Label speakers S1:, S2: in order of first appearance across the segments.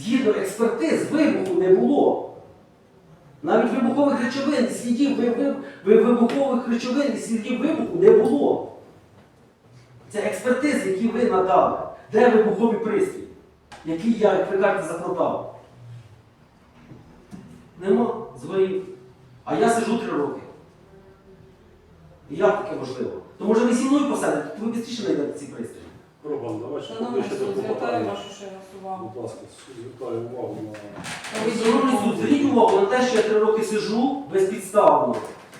S1: Згідно експертиз, вибуху не було. Навіть вибухових речовин і слідів вибухових речовин і слідів вибуху не було. Це експертизи, які ви надали. Де вибуховий пристрій, який я, як ви кажете, запродав? Нема, згорів. А я сиджу 3 роки. І як таке можливо? То може ви зі мною посадите, то ви швидше знайдете ці пристрої.
S2: Роман, давай ще
S3: Шановний
S2: поближче
S3: суд,
S2: до
S3: звертаю
S2: клопотання.
S3: вашу ще раз увагу.
S2: Будь ласка, звертаю увагу на...
S1: Шановний суд, зверніть увагу на те, що я 3 роки сиджу безпідставно.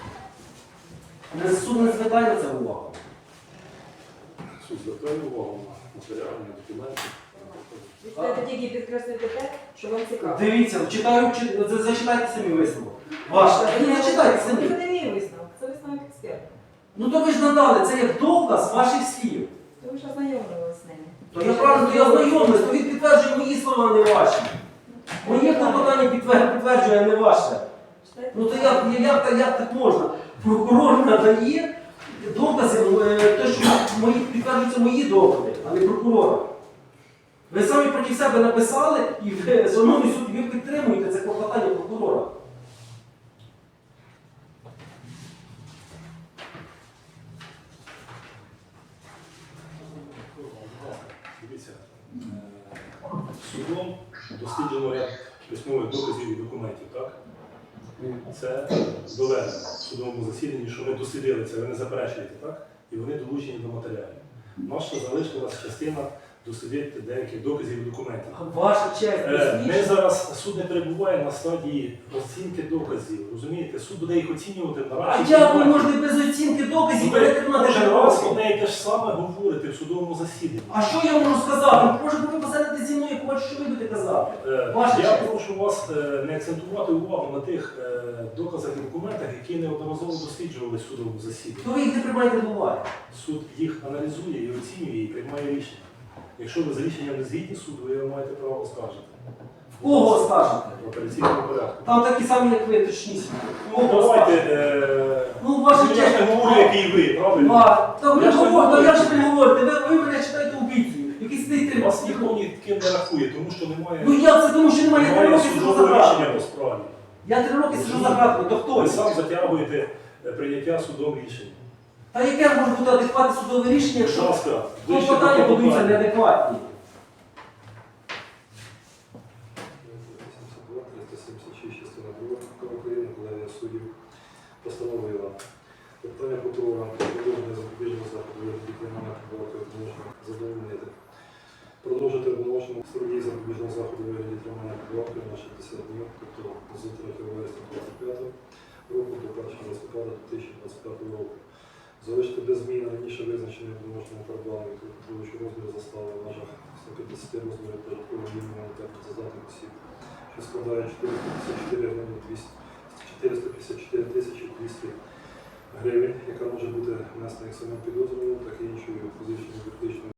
S1: Суд не звертає на це увагу.
S2: Суд, звертаю увагу на матеріальні документи.
S3: Ви хочете тільки підкреслити те, що вам цікаво.
S1: Дивіться, зачитайте самі висновок. Ваше. Ні, зачитайте
S3: Це
S1: самі.
S3: не мій висновок, це висновок експерта.
S1: Ну то ви ж надали, це як доказ ваших слів.
S3: То ви ж ознайомилися з ними.
S1: То я правильно, то я знайомий, то він підтверджує мої слова, а не ваші. Моє клопотання підтверджує, а не ваше. Ну то як так можна? Прокурор надає докази, те, що підтверджуються мої докази, а не прокурора. Ви самі проти себе написали і ви, шановний суд, ви підтримуєте це клопотання прокурора.
S2: Дивіться, судом досліджено ряд письмових доказів і документів, так? Це доведено в судовому засіданні, що ми дослідили це, ви не заперечуєте, так? І вони долучені до матеріалів. Наша залишилась частина дослідити деяких доказів і документів.
S1: Ваша честь,
S2: Ми зараз, суд не перебуває на стадії оцінки доказів, розумієте? Суд буде їх оцінювати на
S1: А
S2: разі.
S1: як ви можете без оцінки доказів перетримати
S2: Кожен раз
S1: роки?
S2: одне і те ж саме говорите в судовому засіданні.
S1: А що я можу сказати? Може ви посадите зі мною, як бачу, що ви будете казати? Ваша
S2: Я
S1: честь.
S2: прошу вас не акцентувати увагу на тих доказах і документах, які неодноразово досліджували в судовому засіданні.
S1: То ви їх не приймаєте до уваги.
S2: Суд їх аналізує і оцінює і приймає рішення. Якщо ви з рішенням не згідні суду, ви його маєте право оскаржити.
S1: В кого скажете?
S2: В апеляційному порядку.
S1: Там такі самі, як ви, точніше.
S2: Ну, давайте,
S1: Ну, ваша
S2: я ж
S1: честь.
S2: не говорю, який ви, правильно?
S1: Та ви
S2: Я ж не
S1: говорите,
S2: говорю.
S1: як же ви говорите? Ви мене читаєте убійцею. Який сидить
S2: Вас ніхто ні ким не рахує, тому що немає,
S1: Ну як це, тому що немає 3 роки сиджу за
S2: судового рішення
S1: гратами.
S2: по справі.
S1: Я 3 роки сиджу за гратами, то хто?
S2: Ви
S1: я?
S2: сам затягуєте прийняття судом рішення.
S1: Та яке може бути адекватне судове рішення,
S2: Будь
S1: якщо
S2: ласка, ближче до
S1: клопотання будуться
S2: клопотання.
S1: неадекватні?
S4: 376 частина 2 України, колегія суддів постановила питання прокурора про продовження запобіжного заходу від кримінального прибавки обвинувачення задовольнити. Продовжити обвинувачення в суді запобіжного заходу у вигляді тримання прибавки на 60 днів, тобто з 3 вересня 2025 року до 1 листопада 2025 року. Залишити без змін раніше визначення обвинувачення прибавки, що розмір застави в межах 150 розмірів прожиткового мінімуму та працездатних осіб, що складає 454 тисячі 200 гривень, яка може бути внесена як самим підозрюваним, так і іншою фізичною юридичною